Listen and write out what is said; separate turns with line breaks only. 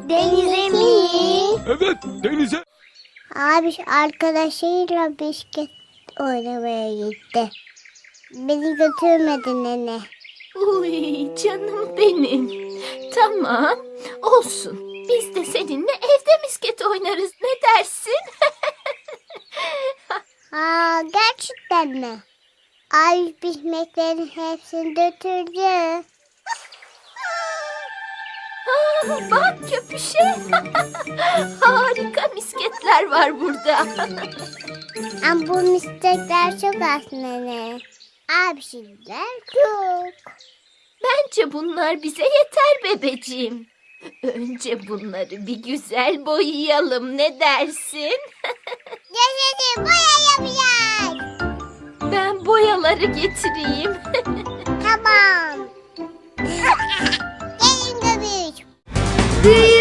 Denize mi?
Evet, denize.
Abi arkadaşıyla bisiklet oynamaya gitti. Beni götürmedi nene.
Uy canım benim. Tamam olsun. Biz de seninle evde misket oynarız. Ne dersin?
Gerçekten mi? Abi bisikletlerin hepsini götürdü.
Bak köpüşe. Harika misketler var burada.
Ama bu bisikletler çok az nene. Abişler çok.
Bence bunlar bize yeter bebeciğim. Önce bunları bir güzel boyayalım. Ne dersin?
Yaşasın boyayabilir.
Ben boyaları getireyim.
Tamam. Gelin göbüş.